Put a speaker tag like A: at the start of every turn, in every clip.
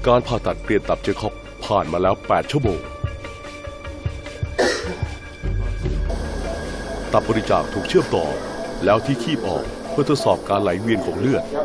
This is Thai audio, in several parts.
A: การผ่าตัดเปลี่ยนตับเจคอบผ่านมาแล้ว8 ชั่วโมงตับบริจาคถูกเชื่อมต่อแล้วที่คีบออกเพื่อทดสอบการไหลเวียนของเลือด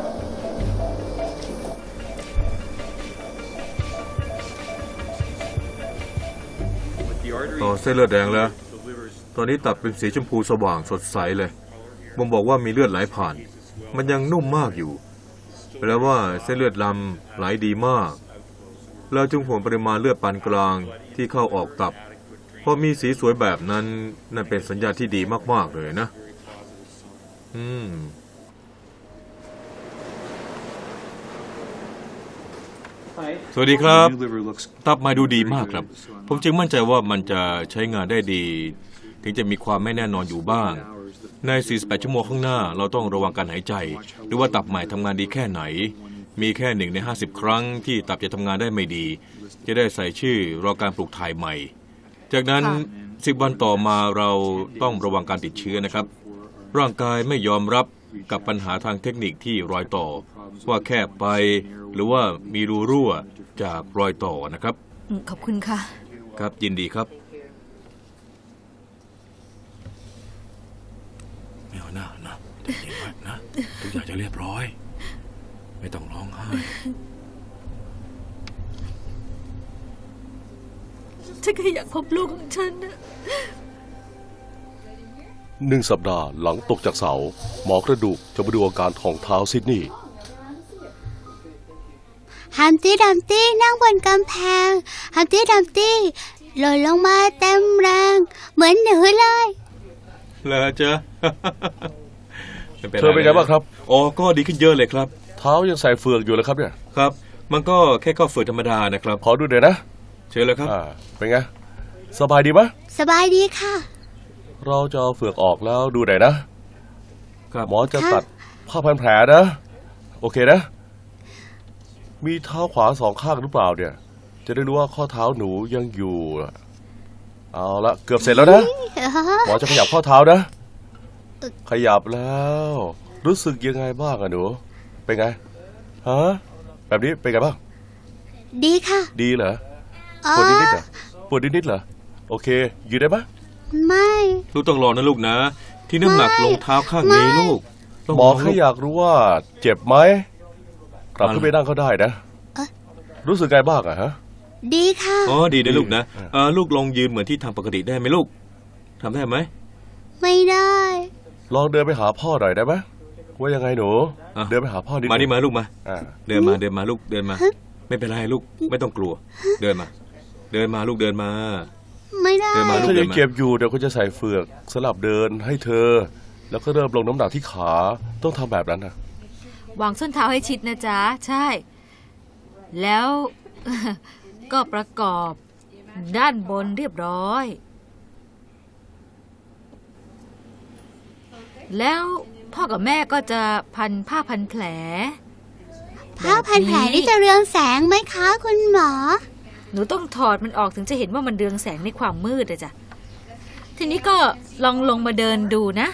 B: ต่อเส้นเลือดแดงแล้วตอนนี้ตับเป็นสีชมพูสว่างสดใสเลยบ่งบอกว่ามีเลือดไหลผ่านมันยังนุ่มมากอยู่แปลว่าเส้นเลือดลำไหลดีมากเราจึงห่วงปริมาณเลือดปานกลางที่เข้าออกตับพอมีสีสวยแบบนั้นนั่นเป็นสัญญาณที่ดีมากๆเลยนะสวัสดีครับตับมาดูดีมากครับผมจึงมั่นใจว่ามันจะใช้งานได้ดีถึงจะมีความไม่แน่นอนอยู่บ้างใน48 ชั่วโมงข้างหน้าเราต้องระวังการหายใจหรือว่าตับใหม่ทำงานดีแค่ไหนมีแค่1 ใน 50 ครั้งที่ตับจะทำงานได้ไม่ดีจะได้ใส่ชื่อรอการปลูกถ่ายใหม่จากนั้น10 วันต่อมาเราต้องระวังการติดเชื้อนะครับร่างกายไม่ยอมรับกับปัญหาทางเทคนิคที่รอยต่อว่าแคบไปหรือว่ามีรูรั่วจากรอยต่อนะครับ
C: ขอบคุณค่ะ
B: ครับยินดีครับไม่เอาหน้านะใจเย็นไว้นะทุกอย่างจะเรียบร้อยไม่ต้องร้องไห้
C: ฉันแค่อยากพบลูกของฉันนะ
A: 1 สัปดาห์หลังตกจากเสาหมอกระดูกจะมาดูอาการของเท้าซิดนีย์
D: ฮัมตี้ดัมตี้นั่งบนกำแพงฮัมตี้ดัมตี้หล่นลงมาเต็มแรงเหมือนหนูเลย
B: แล้วจ๊ะ
A: เธอเป็นไงบ้างครับ
B: อ๋อก็ดีขึ้นเยอะเลยครับ
A: เท้ายังใส่เฟือกอยู่เลยครับเนี่ย
B: ครับมันก็แค่เข้าเฟือกธรรมดานะครับ
A: ขอดูเดี๋ยวนะ
B: เชิญเลยครับ
A: เป็นไงสบายดีไหม
D: สบายดีค่ะ
A: เราจะเอาเฟือกออกแล้วดูหน่อยนะหมอจะตัดผ้าพันแผลนะโอเคนะมีเท้าขวา2 ข้างหรือเปล่าเนี่ยจะได้รู้ว่าข้อเท้าหนูยังอยู่เอาละเกือบเสร็จแล้วนะหมอจะขยับข้อเท้านะขยับแล้วรู้สึกยังไงบ้างอะหนูเป็นไงฮะแบบนี้เป็นไงบ้าง
D: ดีค่ะ
A: ดีเหรอปวดนิดๆเหรอปวดนิดๆเหรอโอเคยืนได้ไหม
D: ไม่
B: ลูกต้องรอนะลูกนะที่น้ำหนักลงเท้าข้างนี้ลูก
A: หมอแค่อยากรู้ว่าเจ็บไหมกลับขึ้นไปนั่งก็ได้นะรู้สึกไงบ้างอะฮะ
D: ดีค่ะ
B: อ๋อดีนะลูกนะลูกลองยืนเหมือนที่ทำปกติได้ไหมลูกทำได้ไหม
D: ไม่ได้
A: ลองเดินไปหาพ่อหน่อยได้ไหมว่ายังไงหนูเดินไปหาพ่อดิ
B: มานี่มาลูกมาเดินมาลูกเดินมาไม่เป็นไรลูกไม่ต้องกลัวเดินมาลูกเดินมา
D: ไม่ได้
A: ถ้ายังเจ็บอยู่เดี๋ยวเขาจะใส่เฟือกสลับเดินให้เธอแล้วก็เริ่มลงน้ำหนักที่ขาต้องทำแบบนั้นนะ
C: วางส้นเท้าให้ชิดนะจ๊ะใช่แล้วก็ประกอบด้านบนเรียบร้อยแล้วพ่อกับแม่ก็จะพันผ้าพันแผล
D: ผ้าพันแผลนี่จะเรืองแสงไหมคะคุณหมอ
C: หนูต้องถอดมันออกถึงจะเห็นว่ามันเรืองแสงในความมืดอะจ้ะทีนี้ก็ลองลงมาเดินดูนะ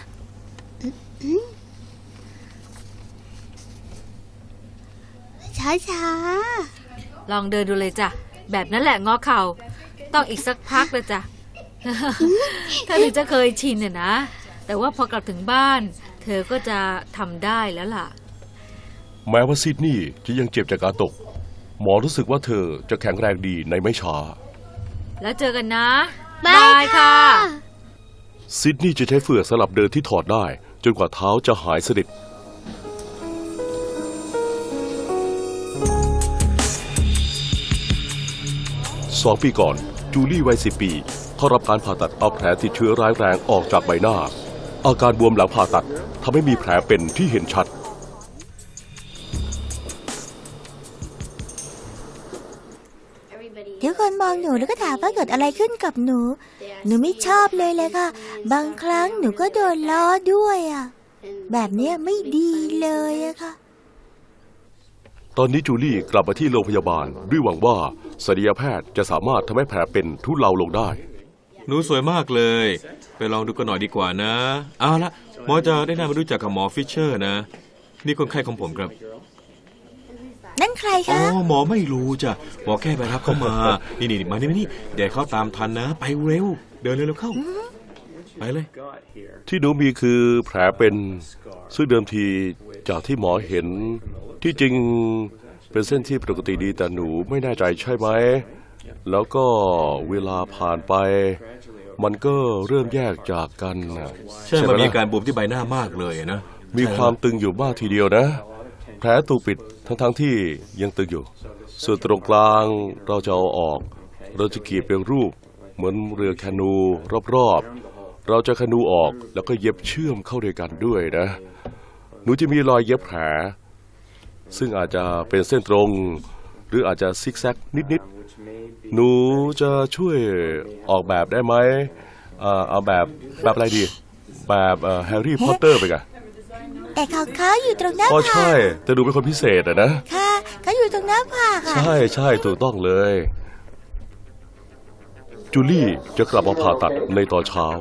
D: ช้า
C: ลองเดินดูเลยจ้ะแบบนั้นแหละงอเข่าต้องอีกสักพักเลยจ้ะถ้าถึงจะเคยชินเนี่ยนะแต่ว่าพอกลับถึงบ้านเธอก็จะทำได้แล้วล่ะ
A: แม้ว่าซิดนีย์จะยังเจ็บจากการตกหมอรู้สึกว่าเธอจะแข็งแรงดีในไม่ช้า
C: แล้วเจอกันนะบายค่ะ
A: ซิดนีย์จะใช้เฟือกสลับเดินที่ถอดได้จนกว่าเท้าจะหายสนิท2 ปีก่อนจูลี่วัย10 ปีเข้ารับการผ่าตัดเอาแผลติดเชื้อร้ายแรงออกจากใบหน้าอาการบวมหลังผ่าตัดทำให้มีแผลเป็นที่เห็นชัด
D: ทุกคนมองหนูแล้วก็ถามว่าเกิดอะไรขึ้นกับหนูไม่ชอบเลยค่ะบางครั้งหนูก็โดนล้อด้วยแบบนี้ไม่ดีเลยค่ะ
A: ตอนนี้จูลี่กลับมาที่โรงพยาบาลด้วยหวังว่าศัลยแพทย์จะสามารถทำให้แผลเป็นทุเลาลงได้
B: หนูสวยมากเลยไปลองดูกันหน่อยดีกว่านะเอาละหมอจะได้นำมารู้จักกับหมอฟิชเชอร์นะนี่คนไข้ของผมครับ
D: นั่นใคร
B: อ๋อ
D: คะ
B: หมอไม่รู้จ้ะหมอแค่ไปรับเขามา นี่มานี่เดี๋ยวเขาตามทันนะ ไปเร็ว เดินเร็วเข้า ไปเลย
A: ที่หนูมีคือแผลเป็นซึ่งเดิมทีจากที่หมอเห็นที่จริงเป็นเส้นที่ปกติดีแต่หนูไม่แน่ใจใช่ไหมแล้วก็เวลาผ่านไป มันก็เริ่มแยกจากกันนะ
B: ใช่
A: ไห
B: มันมี
A: ล่ะ
B: การบวมที่ใบหน้ามากเลยนะ
A: มีความตึงอยู่มากทีเดียวนะ แผลถูกปิดทั้งที่ยังตึงอยู่ ส่วนตรงกลางเราจะเอาออก เราจะกรีดเป็นรูปเหมือนเรือแคนูรอบๆเราจะแคนูออกแล้วก็เย็บเชื่อมเข้าด้วยกันด้วยนะ หนูจะมีรอยเย็บแผลซึ่งอาจจะเป็นเส้นตรง หรืออาจจะซิกแซกนิดๆหนูจะช่วยออกแบบได้ไหมเอาแบบอะไรดี แบบแฮร์รี่พอตเตอร์ไปกัน
D: แต่ของเขาอยู่ตรงหน้า
A: ก็
D: ผา
A: ใช่
D: ก
A: แต่ดูเป็นคนพิเศษอะนะ
D: ค่ะเขาอยู่ตรงหน้าผากค่ะ
A: ใช่ถูกต้องเลย จูลี่จะกลับมาผ่าตัดในตอนเช้า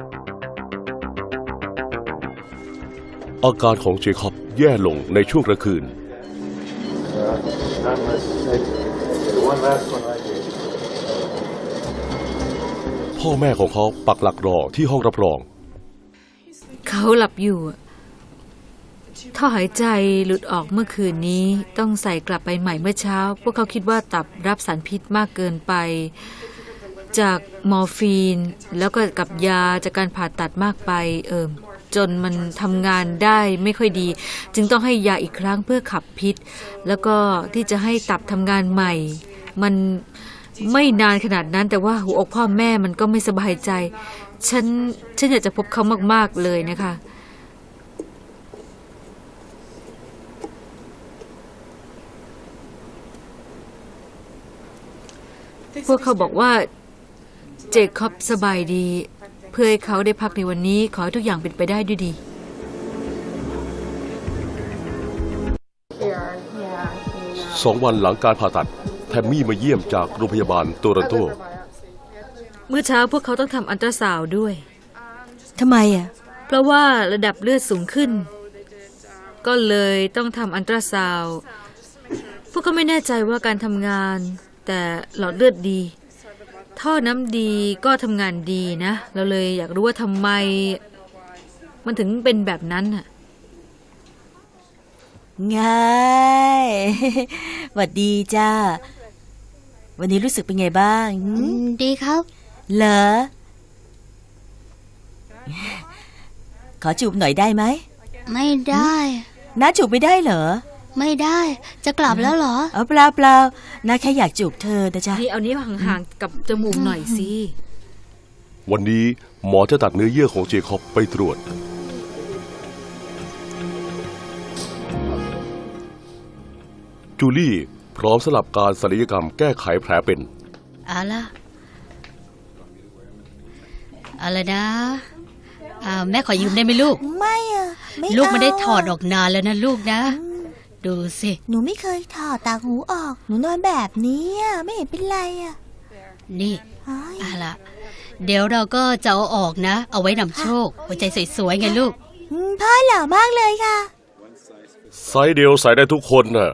A: อาการของเจคอบแย่ลงในช่วงกลางคืน พ่อแม่ของเขาปักหลักรอที่ห้องรับรอง
C: เขาหลับอยู่อะท่อหายใจหลุดออกเมื่อคืนนี้ต้องใส่กลับไปใหม่เมื่อเช้า พวกเขาคิดว่าตับรับสารพิษมากเกินไป จากมอร์ฟีนแล้วก็กับยาจากการผ่าตัดมากไปจนมันทำงานได้ไม่ค่อยดี จึงต้องให้ยาอีกครั้งเพื่อขับพิษ แล้วก็ที่จะให้ตับทำงานใหม่ มันไม่นานขนาดนั้น แต่ว่าหัวอกพ่อแม่มันก็ไม่สบายใจ ฉันอยากจะพบเขามากๆเลยนะคะ พวกเขาบอกว่าเจคอบสบายดี เพื่อให้เขาได้พักในวันนี้ ขอให้ทุกอย่างเป็นไปได้ด้วยดี
A: 2 วันหลังการผ่าตัด แทมมี่มาเยี่ยมจากโรงพยาบาลโตรอนโต
C: เมื่อเช้าพวกเขาต้องทำอัลตราซาวด์ด้วย
D: ทำไมอ่ะ
C: เพราะว่าระดับเลือดสูงขึ้น ก็เลยต้องทำอัลตราซาวด์พวกเขาไม่แน่ใจว่าการทำงาน แต่หลอดเลือดดี ท่อน้ำดีก็ทำงานดีนะ เราเลยอยากรู้ว่าทำไม มันถึงเป็นแบบนั้นน่ะ
D: ง่าย หวัดดีจ้า วันนี้รู้สึกเป็นไงบ้าง
E: ดีครับ
D: เหรอ ขอจูบหน่อยได้ไหม
E: ไม่ได้
D: น้าจูบไม่ได้เหรอ
E: ไม่ได้ จะกลับแล้วเหรอ
D: เปล่าน้าแค่อยากจูบเธอนะจ๊ะ
C: นี่เอานิ้วห่างๆกับจมูกหน่อยสิ
A: วันนี้หมอจะตัดเนื้อเยื่อของเจคอบไปตรวจ จูลี่พร้อมสลับการศัลยกรรมแก้ไขแผลเป็น
E: เอาละนะแม่ขอยืมได้ไหมลูก
D: ไม่อ่ะ ไม่
E: ลูกไม่ได้
D: เา
E: ถอดออกนานแล้วนะลูกนะ ดูสิ
D: หนูไม่เคยถอดต่างหูออก หนูนอนแบบนี้อ่ะ ไม่เห็นเป็นไรอ่ะ
E: นี่
D: เฮ้ย
E: เอาละเดี๋ยวเราก็จะเอาออกนะ เอาไว้นำโชค หัวใจสวยๆไงลูก
D: พ่อหล่อมากเลยค่ะ
A: ไซส์เดียวใส่ได้ทุกคนน่ะ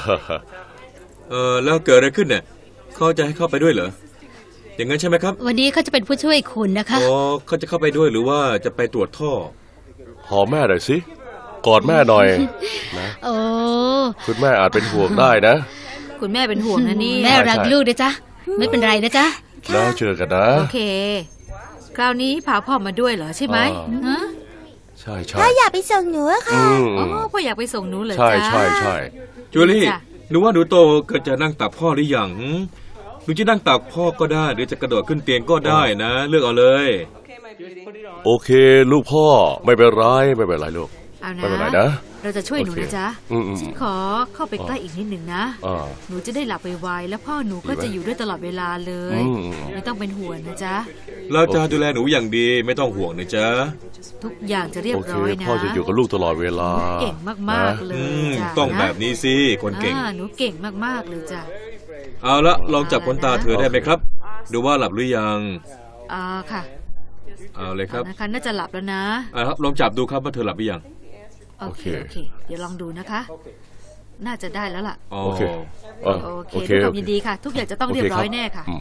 B: แล้วเกิดอะไรขึ้นเนี่ยเขาจะให้เข้าไปด้วยเหรอ อย่างนั้นใช่ไหมครับ
E: วันนี้เขาจะเป็นผู้ช่วยคุณนะคะ
B: อ๋อเขาจะเข้าไปด้วยหรือว่าจะไปตรวจท่อ
A: หอมแม่หน่อยสิ กอดแม่หน่อยนะ
E: โอ้
A: คุณแม่อาจเป็นห่วงได้นะ
C: คุณแม่เป็นห่วงนะนี่
E: แม่รักลูกนะจ๊ะ ไม่เป็นไรนะจ๊ะ
A: แล้วเจอกันนะ
C: โอเค คราวนี้พาพ่อมาด้วยเหรอใช่ไหม
A: อ่า
C: ฮะ
A: ใช่
D: พ่ออยากไปส่งหนูอะค่ะ
C: อ๋อพ่ออยากไปส่งหนูเหรอ
A: ใช่
C: จ๊ะ
A: ใช่
B: จูลี่
C: จ้ะ
B: หนูว่าหนูโตก็จะนั่งตักพ่อหรือยังหนูจะนั่งตักพ่อก็ได้ หรือจะกระโดดขึ้นเตียงก็ได้นะ เลือกเอาเลย
A: โอเค ลูกพ่อไม่เป็นไรไม่เป็นไรลูก
C: เอานะ
A: ไม่เป็นไรนะ
C: เราจะช่วยหนูนะจ๊ะ
A: อืม
C: ฉันขอเข้าไปใกล้อีกนิดหนึ่งนะ
A: อ่า
C: หนูจะได้หลับไวๆแล้วพ่อหนูก็จะอยู่ด้วยตลอดเวลาเลย
A: อืม
C: ไม่ต้องเป็นห่วงนะจ๊ะ
B: เราจะดูแลหนูอย่างดีไม่ต้องห่วงนะจ๊ะ
C: ทุกอย่างจะเรียบ
A: โอเค
C: ร้อยนะ
A: พ่อจะอยู่กับลูกตลอดเวลา
C: เก่งมากๆ
A: นะ
C: เลยจ้ะ
B: ต้อง
C: นะ
B: แบบนี้สิคนเก่ง
C: หนูเก่งมากๆเลยจ้ะ
B: เอาละลองจับขนตาเธอได้ไหมครับ ดูว่าหลับหรือยัง
C: ค่ะ
B: เอาเลยครับ
C: นะคะน่าจะหลับแล้วนะ
B: ครับลองจับดูครับว่าเธอหลับหรือยัง
C: โอเค
A: โอเค
C: เดี๋ยวลองดูนะคะน่าจะได้แล้วล่ะ
B: อ๋อ
A: โอเค
C: โอเคด้วยความยินดีค่ะ ทุกอย่างจะต้องเรียบร้อยแน่ค่ะ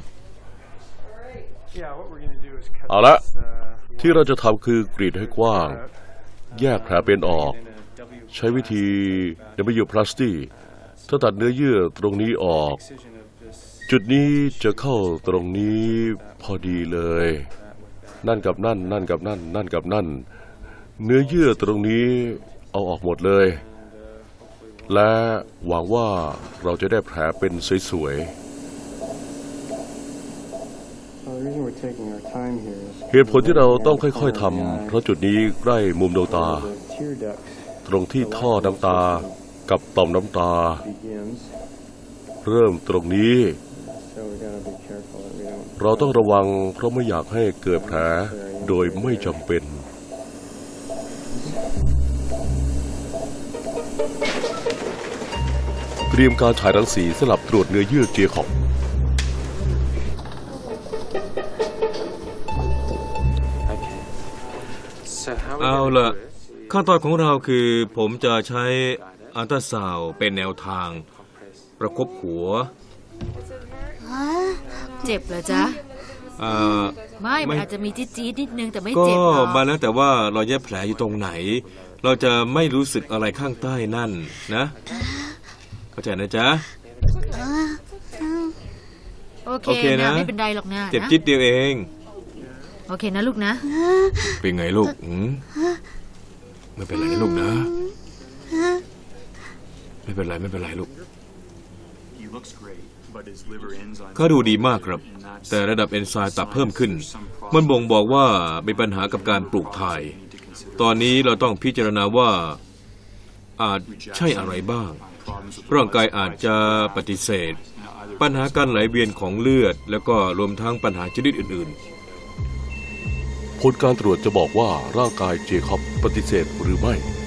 A: เอาละที่เราจะทำคือกรีดให้กว้าง แยกแผลเป็นออก ใช้วิธี W plasty ถ้าตัดเนื้อเยื่อตรงนี้ออก จุดนี้จะเข้าตรงนี้พอดีเลย นั่นกับนั่น นั่นกับนั่น นั่นกับนั่น เนื้อเยื่อตรงนี้เอาออกหมดเลย และหวังว่าเราจะได้แผลเป็นสวยๆเหตุผลที่เราต้องค่อยๆทำเพราะจุดนี้ใกล้มุมดวงตา ตรงที่ท่อน้ำตากับต่อมน้ำตา เริ่มตรงนี้ เราต้องระวังเพราะไม่อยากให้เกิดแผลโดยไม่จำเป็น เตรียมการฉายรังสีสลับตรวจเนื้อเยื่อเจคอบ
B: เอาล่ะขั้นตอนของเราคือผมจะใช้อัลตราซาวด์เป็นแนวทาง ประคบหัว
C: เจ็บเหรอจ๊ะ
B: อ่า
C: ไม่มันอาจจะมีจี๊ดๆนิดนึงแต่ไม่
B: ก็
C: เจ็บหรอก
B: มาแล้วแต่ว่ารอยแยบแผลอยู่ตรงไหน เราจะไม่รู้สึกอะไรข้างใต้นั่นนะเข้าใจนะจ๊ะ
C: โอ
B: โอเค
C: เค
B: นะ
C: นะไม่เป็นไรหรอกนะ
B: เจ็บจิ๊ดเดียวเอง
C: โอเคนะลูกนะ
B: เป็นไงลูกไม่เป็นไรนะลูกนะ ไม่เป็นไรไม่เป็นไรลูกเขาดูดีมากครับ แต่ระดับเอนไซม์ตับเพิ่มขึ้น มันบ่งบอกว่ามีปัญหากับการปลูกถ่าย ตอนนี้เราต้องพิจารณาว่าอาจใช่อะไรบ้าง ร่างกายอาจจะปฏิเสธ ปัญหาการไหลเวียนของเลือด แล้วก็รวมทั้งปัญหาชนิดอื่นๆ
A: ผลการตรวจจะบอกว่าร่างกายเจคอบปฏิเสธหรือไม่